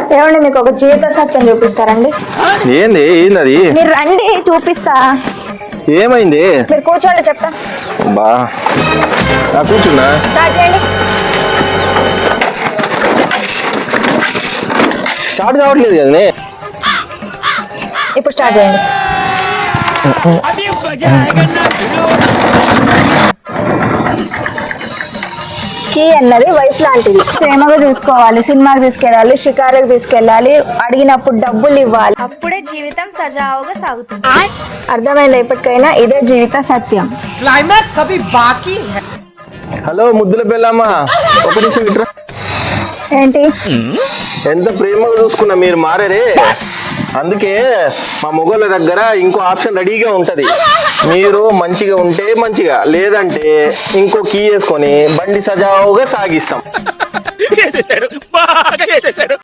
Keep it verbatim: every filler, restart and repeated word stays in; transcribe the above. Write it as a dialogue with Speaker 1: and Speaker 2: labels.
Speaker 1: ఏమండి మీకు ఒక జీవిత సత్యం చూపిస్తారండి.
Speaker 2: ఏంది ఏంది అది?
Speaker 1: మీరు రండి చూపిస్తా.
Speaker 2: ఏమైంది?
Speaker 1: మీరు కూర్చోండి చెప్తా.
Speaker 2: బా నా కూర్చున్నా.
Speaker 1: స్టార్ట్ చేయండి.
Speaker 2: స్టార్ట్ కావట్లేదు కదనే.
Speaker 1: ఇప్పుడు స్టార్ట్ చేయండి. కీ అన్నది వైఫ్ లాంటిది. ప్రేమగా చూసుకోవాలి, సినిమాకి తీసుకెళ్ళాలి, షికారుకి తీసుకెళ్ళాలి, అడిగినప్పుడు డబ్బులు ఇవ్వాలి.
Speaker 3: అప్పుడే జీవితం సజావుగా సాగుతుంది.
Speaker 1: అర్థమైందా? ఇప్పటికైనా ఇదే జీవిత సత్యం.
Speaker 4: క్లైమాక్స్ అవి బాకీ.
Speaker 2: హలో ముద్దుల పెళ్ళమ్మా, ఒక నిమిషం ఇట్రా.
Speaker 1: ఏంటి?
Speaker 2: ఎంత ప్రేమగా చూసుకున్నా మీరు మారేరే. అందుకే మా మొగోళ్ళ దగ్గర ఇంకో ఆప్షన్ రెడీగా ఉంటది. మీరు మంచిగా ఉంటే మంచిగా, లేదంటే ఇంకో కీ వేసుకొని బండి సజావుగా సాగిస్తాం.